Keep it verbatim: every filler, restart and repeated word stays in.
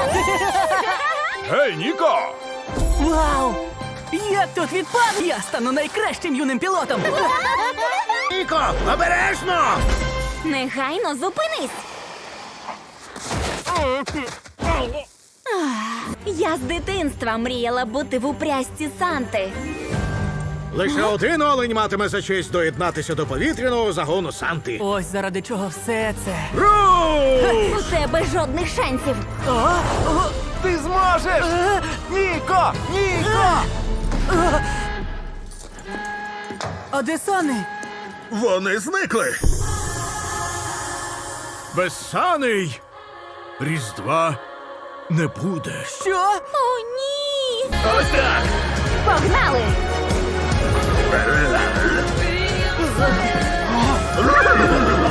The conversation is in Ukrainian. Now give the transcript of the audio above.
Гей, Ніко! Вау! Як тут відпав? Я стану найкращим юним пілотом! Ніко, обережно! Негайно зупинись! Ах, я з дитинства мріяла бути в упряжці Санти. Лише один олень матиме за честь доєднатися до повітряного загону Санти. Ось заради чого все це. Руш! У тебе жодних шансів. Ти зможеш! Ніко! Ніко! А де Сани? Вони зникли. Безсаний Різдва не буде. Що? О, ні! Ось так! Погнали!